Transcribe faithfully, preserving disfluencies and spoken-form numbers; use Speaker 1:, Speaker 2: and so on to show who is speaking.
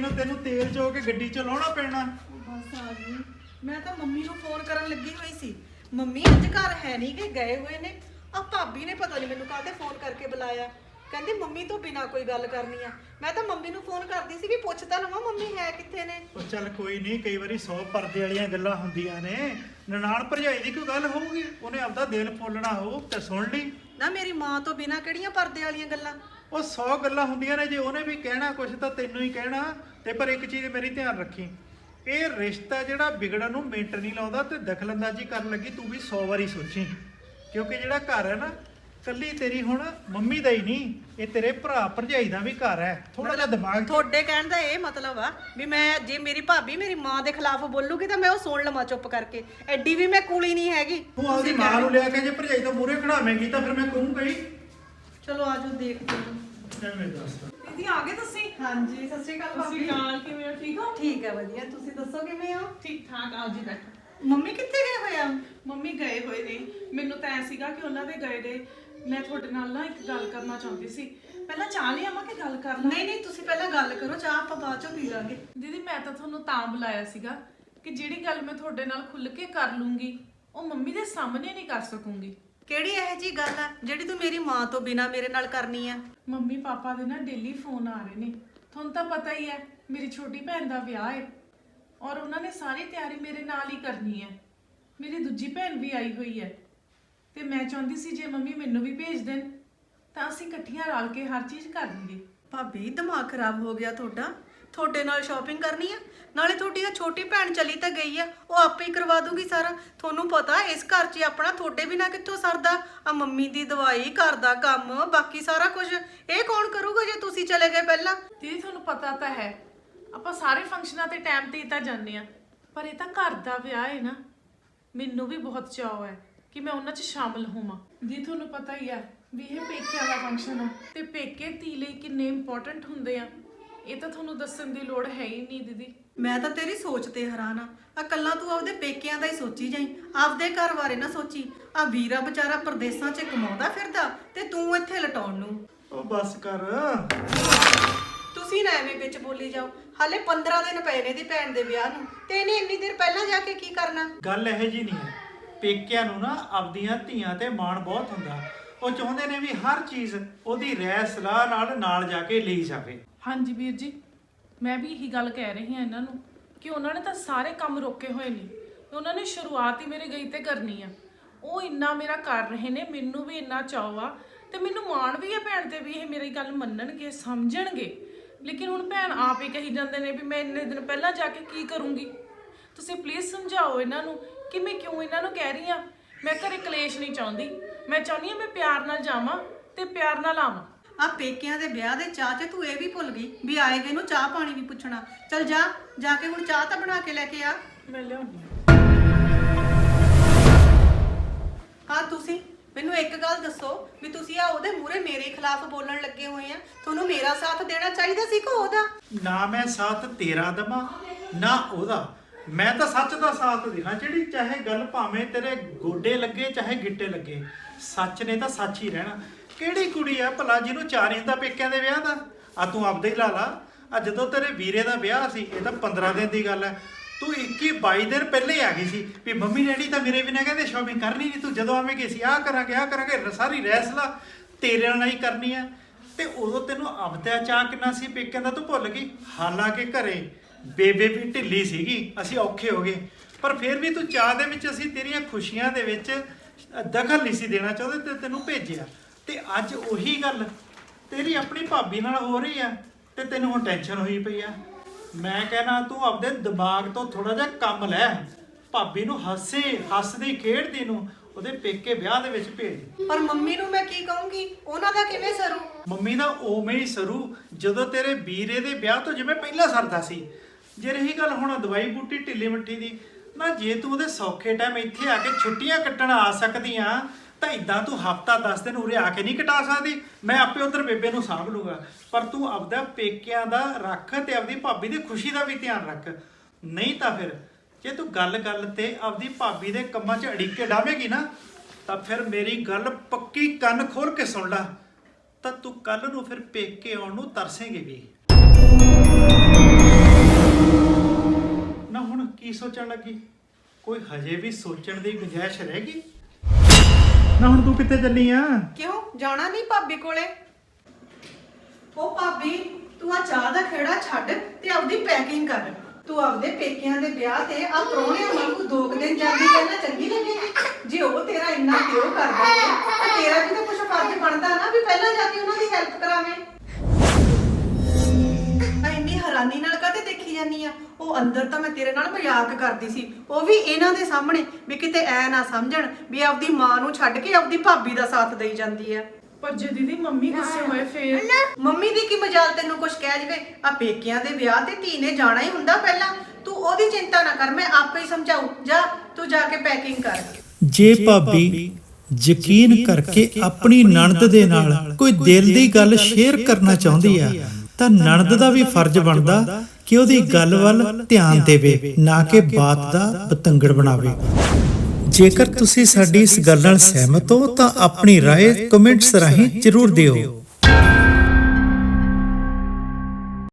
Speaker 1: ਨੂੰ ਤੈਨੂੰ ਤੇਲ ਚੋ ਕੇ ਗੱਡੀ ਚ ਲਾਉਣਾ ਪੈਣਾ।
Speaker 2: ਬਸ ਆ ਗਈ। ਮੈਂ ਤਾਂ ਮੰਮੀ ਨੂੰ ਫੋਨ ਕਰਨ ਲੱਗੀ ਹੋਈ ਸੀ। ਮੰਮੀ ਅੱਜ ਘਰ ਹੈ ਨਹੀਂ ਕਿ ਗਏ ਹੋਏ ਨੇ। ਆ ਭਾਬੀ ਨੇ ਪਤਾ ਨਹੀਂ ਮੈਨੂੰ ਕਾਹਤੇ ਫੋਨ ਕਰਕੇ ਬੁਲਾਇਆ। ਕਹਿੰਦੀ ਮੰਮੀ ਤੋਂ ਬਿਨਾ ਕੋਈ ਗੱਲ ਕਰਨੀ ਆ। ਮੈਂ ਤਾਂ ਮੰਮੀ ਨੂੰ ਫੋਨ ਕਰਦੀ ਸੀ ਵੀ ਪੁੱਛ ਤਾਂ ਲਵਾਂ ਮੰਮੀ ਹੈ ਕਿੱਥੇ ਨੇ।
Speaker 1: ਉਹ ਚੱਲ ਕੋਈ ਨਹੀਂ, ਕਈ ਵਾਰੀ ਸੌ ਪਰਦੇ ਵਾਲੀਆਂ ਗੱਲਾਂ ਹੁੰਦੀਆਂ ਨੇ। ਨਨਾਣ ਭਰਜਾਈ ਦੀ ਕੋਈ ਗੱਲ ਹੋਊਗੀ, ਉਹਨੇ ਆਪਦਾ ਦਿਲ ਫੋਲਣਾ ਹੋਊ ਤੇ ਸੁਣ ਲਈ
Speaker 2: ਨਾ। ਮੇਰੀ ਮਾਂ ਤੋਂ ਬਿਨਾ ਕਿਹੜੀਆਂ ਪਰਦੇ ਵਾਲੀਆਂ ਗੱਲਾਂ।
Speaker 1: ਉਹ ਸੌ ਗੱਲਾਂ ਹੁੰਦੀਆਂ ਨੇ, ਜੇ ਉਹਨੇ ਵੀ ਕਹਿਣਾ ਕੁਛ ਤਾਂ ਤੈਨੂੰ ਹੀ ਕਹਿਣਾ। ਤੇ ਪਰ ਇੱਕ ਚੀਜ਼ ਮੇਰੀ ਧਿਆਨ ਰੱਖੀ, ਇਹ ਰਿਸ਼ਤਾ ਜਿਹੜਾ ਵਿਗੜਨ ਨੂੰ ਮਿੰਟ ਨਹੀਂ ਲਾਉਂਦਾ ਤੇ ਦਖਲਅੰਦਾਜ਼ੀ ਕਰਨ ਲੱਗੀ ਤੂੰ ਵੀ ਸੌ ਵਾਰੀ ਸੋਚੀ। ਕਿਉਂਕਿ ਜਿਹੜਾ ਘਰ ਹੈ ਨਾ, ਕੱਲੀ ਤੇਰੀ ਹੁਣ ਮੰਮੀ ਦਾ ਹੀ ਨਹੀਂ, ਇਹ ਤੇਰੇ ਭਰਾ ਭਰਜਾਈ ਦਾ ਵੀ ਘਰ ਹੈ। ਥੋੜਾ ਜਿਹਾ ਦਿਮਾਗ
Speaker 2: ਤੁਹਾਡੇ ਕਹਿਣ ਦਾ ਇਹ ਮਤਲਬ ਆ ਵੀ ਮੈਂ ਜੇ ਮੇਰੀ ਭਾਬੀ ਮੇਰੀ ਮਾਂ ਦੇ ਖਿਲਾਫ ਬੋਲੂਗੀ ਤਾਂ ਮੈਂ ਉਹ ਸੁਣ ਲਵਾਂ ਚੁੱਪ ਕਰਕੇ। ਐਡੀ ਵੀ ਮੈਂ ਕੂਲੀ ਨਹੀਂ ਹੈਗੀ।
Speaker 1: ਤੂੰ ਆਪਦੀ ਮਾਂ ਨੂੰ ਲਿਆ ਕੇ ਜੇ ਭਰਜਾਈ ਤੋਂ ਮੂਹਰੇ ਖੜਾਵੇਂਗੀ ਤਾਂ ਫਿਰ ਮੈਂ ਕਹੂੰਗਾ ਹੀ।
Speaker 2: ਚਲੋ ਆਜੋ ਦੇਖਦੇ ਹਾਂ।
Speaker 1: ਐਵੇਂ ਦੱਸ।
Speaker 3: ਦੀਦੀ ਆ ਗਏ ਤੁਸੀਂ?
Speaker 2: ਹਾਂਜੀ ਸਤਿ ਸ਼੍ਰੀ ਅਕਾਲ
Speaker 3: ਤੁਸੀਂ
Speaker 2: ਭਾਬੀ।
Speaker 3: ਨਾਲ ਕਿਵੇਂ ਹੋ? ਠੀਕ ਹੋ?
Speaker 2: ਠੀਕ ਹੈ ਵਧੀਆ, ਤੁਸੀਂ ਦੱਸੋ ਕਿਵੇਂ ਹੋ?
Speaker 3: ਠੀਕ ਠਾਕ। ਆਓ ਜੀ ਬੈਠੋ।
Speaker 2: ਮੰਮੀ ਕਿੱਥੇ ਗਏ ਹੋਏ ਆ?
Speaker 3: ਮੰਮੀ ਗਏ ਹੋਏ ਨੇ। ਮੈਨੂੰ ਤਾਂ ਐ ਸੀਗਾ ਕਿ ਉਹਨਾਂ ਦੇ ਗਏ ਦੇ ਮੈਂ ਤੁਹਾਡੇ ਨਾਲ ਨਾ ਇੱਕ ਗੱਲ ਕਰਨਾ ਚਾਹੁੰਦੀ ਸੀ। ਪਹਿਲਾਂ ਚਾਹ ਲਈ ਆਵਾਂ ਕਿ ਗੱਲ ਕਰ ਲਾਂ?
Speaker 2: ਨਹੀਂ ਨਹੀਂ ਤੁਸੀਂ ਪਹਿਲਾਂ ਗੱਲ ਕਰੋ, ਚਾਹ ਆਪਾਂ ਬਾਅਦ ਚੋਂ ਪੀ ਲਾਂਗੇ।
Speaker 3: ਦੀਦੀ ਮੈਂ ਤਾਂ ਤੁਹਾਨੂੰ ਤਾਂ ਬੁਲਾਇਆ ਸੀਗਾ ਕਿ ਜਿਹੜੀ ਗੱਲ ਮੈਂ ਤੁਹਾਡੇ ਨਾਲ ਖੁੱਲ ਕੇ ਕਰ ਲੂੰਗੀ ਉਹ ਮੰਮੀ ਦੇ ਸਾਹਮਣੇ ਨਹੀਂ ਕਰ ਸਕੂੰਗੀ।
Speaker 2: ਕਿਹੜੀ ਇਹੋ ਜੀ ਗੱਲ ਆ ਜਿਹੜੀ ਤੂੰ ਮੇਰੀ ਮਾਂ ਤੋਂ ਬਿਨਾ ਮੇਰੇ ਨਾਲ ਕਰਨੀ ਆ?
Speaker 3: ਮੰਮੀ ਪਾਪਾ ਦੇ ਨਾ ਡੇਲੀ ਫੋਨ ਆ ਰਹੇ ਨੇ। ਤੁਹਾਨੂੰ ਤਾਂ ਪਤਾ ਹੀ ਹੈ ਮੇਰੀ ਛੋਟੀ ਭੈਣ ਦਾ ਵਿਆਹ ਹੈ ਔਰ ਉਹਨਾਂ ਨੇ ਸਾਰੀ ਤਿਆਰੀ ਮੇਰੇ ਨਾਲ ਹੀ ਕਰਨੀ ਹੈ। ਮੇਰੀ ਦੂਜੀ ਭੈਣ ਵੀ ਆਈ ਹੋਈ ਹੈ ਤੇ ਮੈਂ ਚਾਹੁੰਦੀ ਸੀ ਜੇ ਮੰਮੀ ਮੈਨੂੰ ਵੀ ਭੇਜ ਦੇਣ ਤਾਂ ਅਸੀਂ ਇਕੱਠੀਆਂ ਰਲ ਕੇ ਹਰ ਚੀਜ਼ ਕਰ ਲਈਏ।
Speaker 2: ਭਾਬੀ ਦਿਮਾਗ ਖਰਾਬ ਹੋ ਗਿਆ ਤੁਹਾਡਾ। ਤੁਹਾਡੇ ਨਾਲ ਸ਼ਾਪਿੰਗ ਕਰਨੀ ਆ, ਨਾਲੇ ਤੁਹਾਡੀ ਆ ਛੋਟੀ ਭੈਣ ਚਲੀ ਤਾਂ ਗਈ ਆ, ਉਹ ਆਪੇ ਹੀ ਕਰਵਾ ਦੂਗੀ ਸਾਰਾ। ਤੁਹਾਨੂੰ ਪਤਾ ਇਸ ਘਰ 'ਚ ਆਪਣਾ ਤੁਹਾਡੇ ਬਿਨਾ ਕਿੱਥੋਂ ਸਰਦਾ। ਆ ਮੰਮੀ ਦੀ ਦਵਾਈ, ਘਰ ਦਾ ਕੰਮ, ਬਾਕੀ ਸਾਰਾ ਕੁਝ ਇਹ ਕੌਣ ਕਰੂਗਾ ਜੇ ਤੁਸੀਂ ਚਲੇ ਗਏ ਪਹਿਲਾਂ?
Speaker 3: ਦੀਦੀ ਤੁਹਾਨੂੰ ਪਤਾ ਤਾਂ ਹੈ ਆਪਾਂ ਸਾਰੇ ਫੰਕਸ਼ਨਾਂ ਤੇ ਟਾਈਮ ਤੇ ਹੀ ਤਾਂ ਜਾਂਦੇ ਆ, ਪਰ ਇਹ ਤਾਂ ਘਰ ਦਾ ਵਿਆਹ ਹੈ ਨਾ। ਮੈਨੂੰ ਵੀ ਬਹੁਤ ਚਾਅ ਹੈ ਕਿ ਮੈਂ ਉਹਨਾਂ 'ਚ ਸ਼ਾਮਲ ਹੋਵਾਂ। ਜੀ ਤੁਹਾਨੂੰ ਪਤਾ ਹੀ ਹੈ ਵੀ ਇਹ ਪੇਕਿਆਂ ਦਾ ਫੰਕਸ਼ਨ ਆ ਤੇ ਪੇਕੇ ਧੀ ਲਈ ਕਿੰਨੇ ਇੰਪੋਰਟੈਂਟ ਹੁੰਦੇ ਆ, ਇਹ ਤਾਂ ਤੁਹਾਨੂੰ ਦੱਸਣ ਦੀ ਲੋੜ ਹੈ ਹੀ ਨਹੀਂ ਦੀਦੀ।
Speaker 2: ਮੈਂ ਤਾਂ ਤੇਰੀ ਸੋਚ ਤੇ ਹੈਰਾਨ ਆ। ਆ ਕੱਲਾ ਤੂੰ ਆਪਦੇ ਪੇਕਿਆਂ ਦਾ ਹੀ ਸੋਚੀ ਜਾਈ, ਆਪਦੇ ਘਰ ਬਾਰੇ ਨਾ ਸੋਚੀ। ਆ ਵੀਰਾ ਵਿਚਾਰਾ ਪ੍ਰਦੇਸਾਂ 'ਚ ਕਮਾਉਂਦਾ ਫਿਰਦਾ ਤੇ ਤੂੰ ਇੱਥੇ ਲਟਾਉਣ ਨੂੰ।
Speaker 1: ਉਹ ਬਸ ਕਰ।
Speaker 2: ਤੁਸੀਂ ਨਾ ਐਵੇਂ ਵਿੱਚ ਬੋਲੀ ਜਾਓ। ਹਾਲੇ ਪੰਦਰਾਂ ਦਿਨ ਪਏ ਨੇ ਦੀ ਭੈਣ ਦੇ ਵਿਆਹ ਨੂੰ ਤੇ ਇਹਨੇ ਇੰਨੀ ਦੇਰ ਪਹਿਲਾਂ ਜਾ ਕੇ ਕੀ ਕਰਨਾ?
Speaker 1: ਗੱਲ ਇਹੋ ਜੀ ਨਹੀਂ ਹੈ। ਪੇਕਿਆਂ ਨੂੰ ਨਾ ਆਪਦੀਆਂ ਧੀਆਂ ਤੇ ਮਾਣ ਬਹੁਤ ਹੁੰਦਾ। ਉਹ ਚਾਹੁੰਦੇ ਨੇ ਵੀ ਹਰ ਚੀਜ਼ ਉਹਦੀ ਰਾਏ ਸਲਾਹ ਨਾਲ ਨਾਲ ਜਾ ਕੇ ਲਈ ਜਾਵੇ।
Speaker 3: ਹਾਂਜੀ ਵੀਰ ਜੀ, ਮੈਂ ਵੀ ਇਹੀ ਗੱਲ ਕਹਿ ਰਹੀ ਹਾਂ ਇਹਨਾਂ ਨੂੰ ਕਿ ਉਹਨਾਂ ਨੇ ਤਾਂ ਸਾਰੇ ਕੰਮ ਰੋਕੇ ਹੋਏ ਨੇ। ਉਹਨਾਂ ਨੇ ਸ਼ੁਰੂਆਤ ਹੀ ਮੇਰੇ ਗਈ ਤੇ ਕਰਨੀ ਆ। ਉਹ ਇੰਨਾ ਮੇਰਾ ਕਰ ਰਹੇ ਨੇ, ਮੈਨੂੰ ਵੀ ਇੰਨਾ ਚਾਅ ਆ ਤੇ ਮੈਨੂੰ ਮਾਣ ਵੀ ਹੈ ਭੈਣ ਤੇ ਵੀ ਇਹ ਮੇਰੀ ਗੱਲ ਮੰਨਣਗੇ, ਸਮਝਣਗੇ। ਲੇਕਿਨ ਹੁਣ ਭੈਣ ਆਪ ਹੀ ਕਹੀ ਜਾਂਦੇ ਨੇ ਵੀ ਮੈਂ ਇੰਨੇ ਦਿਨ ਪਹਿਲਾਂ ਜਾ ਕੇ ਕੀ ਕਰੂੰਗੀ। ਤੁਸੀਂ ਪਲੀਜ਼ ਸਮਝਾਓ ਇਹਨਾਂ ਨੂੰ ਕਿ ਮੈਂ ਕਿਉਂ ਇਹਨਾਂ ਨੂੰ ਕਹਿ ਰਹੀ ਹਾਂ। ਮੈਂ ਘਰੇ ਕਲੇਸ਼ ਨਹੀਂ ਚਾਹੁੰਦੀ, ਮੈਂ ਚਾਹੁੰਦੀ ਹਾਂ ਮੈਂ ਪਿਆਰ ਨਾਲ ਜਾਵਾਂ ਤੇ ਪਿਆਰ ਨਾਲ ਆਵਾਂ।
Speaker 2: ਆ ਪੇਕਿਆਂ ਦੇ ਵਿਆਹ ਦੇ ਚਾਹ 'ਚ ਤੂੰ ਇਹ ਵੀ ਭੁੱਲ ਗਈ ਵੀ ਆਏ ਗਏ ਨੂੰ ਚਾਹ ਪਾਣੀ ਵੀ ਪੁੱਛਣਾ। ਚਲ ਜਾ ਜਾ ਕੇ ਹੁਣ ਚਾਹ ਤਾਂ ਬਣਾ ਕੇ ਲੈ ਕੇ ਆ।
Speaker 3: ਮੈਂ ਲਿਆਉਂਦੀ ਹਾਂ।
Speaker 2: ਹਾਂ ਤੁਸੀਂ ਮੈਨੂੰ ਇੱਕ ਗੱਲ ਦੱਸੋ ਵੀ ਤੁਸੀਂ ਆ ਉਹਦੇ ਮੂਹਰੇ ਮੇਰੇ ਖਿਲਾਫ ਬੋਲਣ ਲੱਗੇ ਹੋਏ ਆ। ਤੁਹਾਨੂੰ ਮੇਰਾ ਸਾਥ ਦੇਣਾ ਚਾਹੀਦਾ ਸੀ ਕਿ ਉਹਦਾ?
Speaker 1: ਨਾ ਮੈਂ ਸਾਥ ਤੇਰਾ ਦਵਾਂ ਨਾ ਉਹਦਾ। ਮੈਂ ਤਾਂ ਸੱਚ ਦਾ ਸਾਥ ਦੇਣਾ। ਜਿਹੜੀ ਚਾਹੇ ਗੱਲ ਭਾਵੇਂ ਤੇਰੇ ਗੋਡੇ ਲੱਗੇ ਚਾਹੇ ਗਿੱਟੇ ਲੱਗੇ, ਸੱਚ ਨੇ ਤਾਂ ਸੱਚ ਹੀ ਰਹਿਣਾ। ਕਿਹੜੀ ਕੁੜੀ ਆ ਭਲਾ ਜਿਹਨੂੰ ਚਾਅ ਨਹੀਂ ਹੁੰਦਾ ਪੇਕਿਆਂ ਦੇ ਵਿਆਹ ਦਾ? ਆ ਤੂੰ ਆਪਦੇ ਹੀ ਲਾ ਲਾ। ਆ ਜਦੋਂ ਤੇਰੇ ਵੀਰੇ ਦਾ ਵਿਆਹ ਸੀ, ਇਹ ਤਾਂ ਪੰਦਰਾਂ ਦਿਨ ਦੀ ਗੱਲ ਹੈ, ਤੂੰ ਇੱਕੀ ਬਾਈ ਦਿਨ ਪਹਿਲੇ ਆ ਗਈ ਸੀ ਵੀ ਮੰਮੀ ਡੈਡੀ ਤਾਂ ਮੇਰੇ ਬਿਨਾਂ ਕਹਿੰਦੇ ਸ਼ਾਪਿੰਗ ਕਰਨੀ ਨਹੀਂ। ਤੂੰ ਜਦੋਂ ਆਵੇਂਗੀ ਸੀ ਆਹ ਕਰਾਂਗੇ ਆਹ ਕਰਾਂਗੇ, ਸਾਰੀ ਰੈਸਲਾ ਤੇਰੇ ਨਾਲ ਹੀ ਕਰਨੀ ਆ। ਤੇ ਉਦੋਂ ਤੈਨੂੰ ਆਪਦਾ ਚਾਅ ਕਿੰਨਾ ਸੀ ਪੇਕਿਆਂ ਦਾ, ਤੂੰ ਭੁੱਲ ਗਈ। ਹਾਲਾਂਕਿ ਘਰੇ ਬੇਬੇ ਵੀ ਢਿੱਲੀ ਸੀਗੀ, ਅਸੀਂ ਔਖੇ ਹੋ ਗਏ, ਪਰ ਫਿਰ ਵੀ ਤੂੰ ਚਾਹ ਦੇ ਵਿੱਚ ਅਸੀਂ ਤੇਰੀਆਂ ਖੁਸ਼ੀਆਂ ਦੇ ਵਿੱਚ ਦਖਲ ਨਹੀਂ ਸੀ ਦੇਣਾ ਚਾਹੁੰਦੇ ਤੇ ਤੈਨੂੰ ਭੇਜਿਆ। ਤੇ ਅੱਜ ਉਹੀ ਗੱਲ ਤੇਰੀ ਆਪਣੀ ਭਾਬੀ ਨਾਲ ਹੋ ਰਹੀ ਆ ਤੇ ਤੈਨੂੰ ਹੁਣ ਟੈਨਸ਼ਨ ਹੋਈ ਪਈ ਆ। ਮੈਂ ਕਹਿਣਾ ਤੂੰ ਆਪਦੇ ਦਿਮਾਗ ਤੋਂ ਥੋੜਾ ਜਿਹਾ ਕੰਮ ਲੈ। ਭਾਬੀ ਨੂੰ ਹੱਸੇ ਹੱਸਦੀ ਖੇਡਦੀ ਨੂੰ ਉਹਦੇ ਪੇਕੇ ਵਿਆਹ ਦੇ ਵਿੱਚ ਭੇਜ।
Speaker 2: ਪਰ ਮੰਮੀ ਨੂੰ ਮੈਂ ਕੀ ਕਹੂੰਗੀ? ਉਹਨਾਂ ਦਾ ਕਿਵੇਂ ਸਰੂ?
Speaker 1: ਮੰਮੀ ਦਾ ਉਵੇਂ ਹੀ ਸਰੂ ਜਦੋਂ ਤੇਰੇ ਵੀਰੇ ਦੇ ਵਿਆਹ ਤੋਂ ਜਿਵੇਂ ਪਹਿਲਾਂ ਸਰਦਾ ਸੀ। ਜੇ ਰਹੀ ਗੱਲ ਹੁਣ ਦਵਾਈ ਬੂਟੀ ਢਿੱਲੀ ਮਿੱਠੀ ਦੀ, ਨਾ ਜੇ ਤੂੰ ਉਹਦੇ ਸੌਖੇ ਟਾਈਮ ਇੱਥੇ ਆ ਕੇ ਛੁੱਟੀਆਂ ਕੱਟਣ ਆ ਸਕਦੀ ਆ ਤਾਂ ਇਦਾਂ ਤੂੰ ਹਫਤਾ ਦਸ ਦਿਨ ਉਰੇ ਆ ਕੇ ਨਹੀਂ ਕਟਾ ਸਕਦੀ। ਮੈਂ ਆਪੇ ਉਧਰ ਬੇਬੇ ਨੂੰ ਸਾਂਭ ਲੂੰਗਾ, ਪਰ ਤੂੰ ਆਪਦਾ ਪੇਕਿਆਂ ਦਾ ਰੱਖ ਤੇ ਆਪਦੀ ਭਾਬੀ ਦੀ ਖੁਸ਼ੀ ਦਾ ਵੀ ਧਿਆਨ ਰੱਖ। ਨਹੀਂ ਤਾਂ ਫਿਰ ਜੇ ਤੂੰ ਗੱਲ ਗੱਲ ਤੇ ਆਪਦੀ ਭਾਬੀ ਦੇ ਕੰਮਾਂ 'ਚ ਅੜਿੱਕੇ ਡਾਵੇਂਗੀ ਨਾ ਤਾਂ ਫਿਰ ਮੇਰੀ ਗੱਲ ਪੱਕੀ ਕੰਨ ਖੋਲ ਕੇ ਸੁਣ ਲੈ, ਤਾਂ ਤੂੰ ਕੱਲ ਨੂੰ ਫਿਰ ਪੇਕੇ ਆਉਣ ਨੂੰ ਤਰਸੇਂਗੀ ਵੀ। ਨਾ ਹੁਣ ਕੀ ਸੋਚਣ ਲੱਗੀ? ਕੋਈ ਹਜੇ ਵੀ ਸੋਚਣ ਦੀ ਗੁੰਜਾਇਸ਼ ਰਹਿ ਗਈ? ਨਾ ਹੁਣ ਤੂੰ ਕਿੱਥੇ ਚੱਲੀ ਆ?
Speaker 2: ਕਿਉਂ ਜਾਣਾ ਨਹੀਂ ਭਾਬੀ ਕੋਲੇ? ਉਹ ਭਾਬੀ ਤੂੰ ਆ ਚਾਹ ਦਾ ਖੇੜਾ ਛੱਡ ਤੇ ਆਪਦੀ ਪੈਕਿੰਗ ਕਰ। ਤੂੰ ਆਪਦੇ ਪੇਕਿਆਂ ਦੇ ਵਿਆਹ ਤੇ ਆ ਪ੍ਰਾਹੁਣਿਆਂ ਵਾਂਗੂ ਦੋ ਕੁ ਦਿਨ ਜਾਂਦੀ ਪਹਿਲਾਂ ਚੰਗੀ ਲੱਗੇਗੀ। ਜੇ ਉਹ ਤੇਰਾ ਇੰਨਾ ਪਿਓ ਕਰਦਾ ਹੈ ਤਾਂ ਤੇਰਾ ਵੀ ਤਾਂ ਕੁਝ ਫਰਜ਼ ਬਣਦਾ ਨਾ ਵੀ ਪਹਿਲਾਂ ਜਾ ਕੇ ਉਹਨਾਂ ਦੀ ਹੈਲਪ ਕਰਾਵੇਂ। ਆ ਇੰਨੀ ਹੈਰਾਨੀ ਨਾਲ ਕਾਹਤੇ ਦੇਖੀ ਜਾਨੀ ਆ? ਉਹ ਅੰਦਰ ਤਾਂ ਮੈਂ ਤੇਰੇ ਨਾਲ ਮਜ਼ਾਕ ਕਰਦੀ ਸੀ, ਉਹ ਵੀ ਇਹਨਾਂ ਦੇ ਸਾਹਮਣੇ, ਵੀ ਕਿਤੇ ਐ ਨਾ ਸਮਝਣ ਵੀ ਆਪਦੀ ਮਾਂ ਨੂੰ ਛੱਡ ਕੇ ਆਪਦੀ ਭਾਬੀ ਦਾ ਸਾਥ ਦੇਈ ਜਾਂਦੀ ਆ।
Speaker 3: ਪਰ ਜੇ ਦੀਦੀ ਮੰਮੀ ਗੁੱਸੇ ਹੋਏ ਫੇਰ?
Speaker 2: ਮੰਮੀ ਦੀ ਕੀ ਮਜਾਲ ਤੈਨੂੰ ਕੁਝ ਕਹਿ ਜਵੇ? ਆ ਪੇਕਿਆਂ ਦੇ ਵਿਆਹ ਤੇ ਧੀ ਨੇ ਜਾਣਾ ਹੀ ਹੁੰਦਾ ਪਹਿਲਾਂ। ਤੂੰ ਉਹਦੀ ਚਿੰਤਾ ਨਾ ਕਰ, ਮੈਂ ਆਪੇ ਹੀ ਸਮਝਾਉ। ਜਾ ਤੂੰ ਜਾ ਕੇ ਪੈਕਿੰਗ ਕਰ।
Speaker 4: ਜੇ ਭਾਬੀ ਯਕੀਨ ਕਰਕੇ ਆਪਣੀ ਨਣਦ ਦੇ ਨਾਲ ਕੋਈ ਦਿਲ ਦੀ ਗੱਲ ਸ਼ੇਅਰ ਕਰਨਾ ਚਾਹੁੰਦੀ ਆ ਤਾਂ ਨਣਦ ਦਾ ਵੀ ਫਰਜ਼ ਬਣਦਾ ਕਿ ਉਹਦੀ ਗੱਲ ਵੱਲ ਧਿਆਨ ਦੇਵੇ, ਨਾ ਕਿ ਬਾਤ ਦਾ ਪਤੰਗੜ ਬਣਾਵੇ। ਜੇਕਰ ਤੁਸੀਂ ਸਾਡੀ ਇਸ ਗੱਲ ਨਾਲ ਸਹਿਮਤ ਹੋ ਤਾਂ ਆਪਣੀ ਰਾਏ ਕਮੈਂਟਸ ਰਾਹੀਂ ਜ਼ਰੂਰ ਦਿਓ।